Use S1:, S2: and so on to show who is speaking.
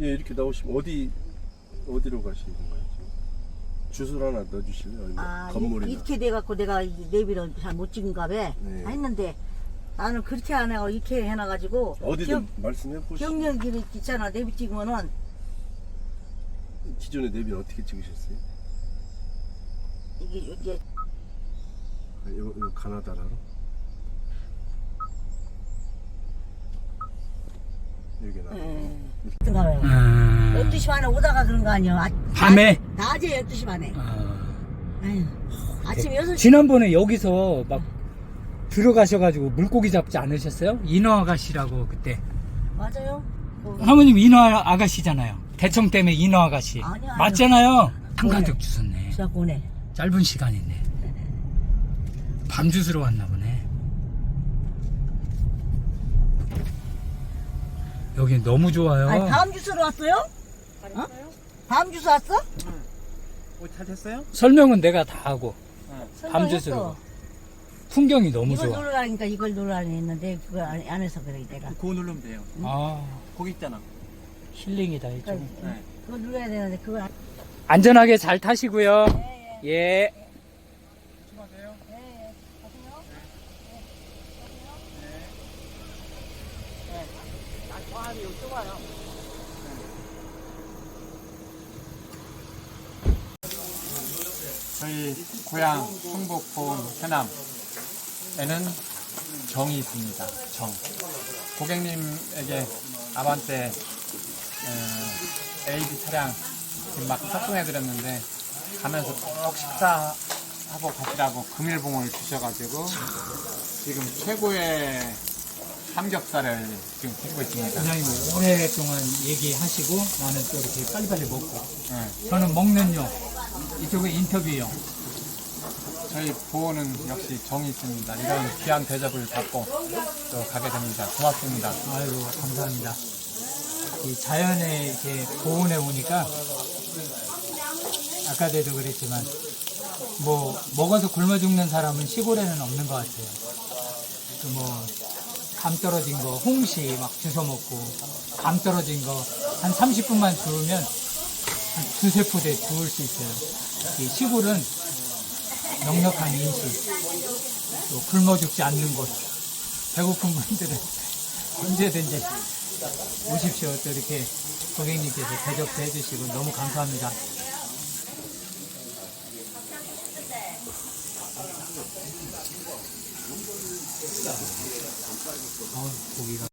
S1: 예, 이렇게 나오시면 어디로 가시는 거예요? 지금? 주소를 하나 넣어주실래요?
S2: 아,
S1: 건물이나.
S2: 이렇게 돼갖고 내가 내비를 잘 못 찍은가 봐.
S1: 네.
S2: 했는데 나는 그렇게 안 해고 이렇게 해놔가지고.
S1: 어디든 말씀해 보시죠.
S2: 경련길 있잖아. 내비 찍으면은.
S1: 기존의 내비는 어떻게 찍으셨어요?
S2: 이게
S1: 이거 가나다라로? 여기 나.
S2: 가봐요. 12시 반에 오다가 그런 거 아니야.
S3: 밤에?
S2: 낮에 12시 반에. 아유, 아침 6시.
S3: 지난번에 여기서 막 들어가셔가지고 물고기 잡지 않으셨어요? 인어 아가씨라고 그때.
S2: 맞아요.
S3: 사모님 인어 아가씨잖아요. 대청 때문에 인어 아가씨.
S2: 아니야.
S3: 맞잖아요. 한가득 주셨네.
S2: 시작 오네.
S3: 짧은 시간이네. 밤 주스러 왔나 보네. 여기 너무 좋아요.
S2: 아니, 다음 주소로 왔어요? 어? 다음 주소 왔어?
S4: 잘 됐어요?
S3: 설명은 내가 다 하고 밤
S2: 설명했어.
S3: 주스러. 풍경이 너무
S2: 이걸
S3: 좋아.
S2: 누르라니까 이걸 누르라니 했는데 그걸 안 해서 그래 내가.
S4: 그거 누르면 돼요.
S3: 아,
S4: 거기 있잖아.
S3: 힐링이다 이쪽.
S4: 네.
S2: 그거 눌러야 되는데 그걸 안.
S3: 안전하게 잘 타시고요. 예.
S4: 조심하세요. 저희 고향 충북 보은 해남에는 정이 있습니다. 정. 고객님에게 아반떼 AD 차량 지금 막 탑승해드렸는데 가면서 꼭 식사하고 가시라고 금일봉을 주셔가지고 지금 최고의 삼겹살을 지금 굽고 있습니다.
S3: 부장님 오랫동안 얘기하시고 나는 또 이렇게 빨리빨리 먹고.
S4: 네.
S3: 저는 먹는 용, 이쪽은 인터뷰용.
S4: 저희 보호는 역시 정이 있습니다. 이런 귀한 대접을 받고 또 가게 됩니다. 고맙습니다.
S3: 아이고 감사합니다. 이 자연에 이렇게 보온에 오니까 아까도 그랬지만 뭐 먹어서 굶어 죽는 사람은 시골에는 없는 것 같아요. 그 뭐 감 떨어진 거 홍시 막 주워 먹고 감 떨어진 거 한 30분만 두우면 한 두세 포대 두을 수 있어요. 이 시골은 넉넉한 인식, 또 굶어 죽지 않는 곳, 배고픈 분들은 언제든지 오십시오. 또 이렇게 고객님께서 대접도 해주시고 너무 감사합니다. 고기가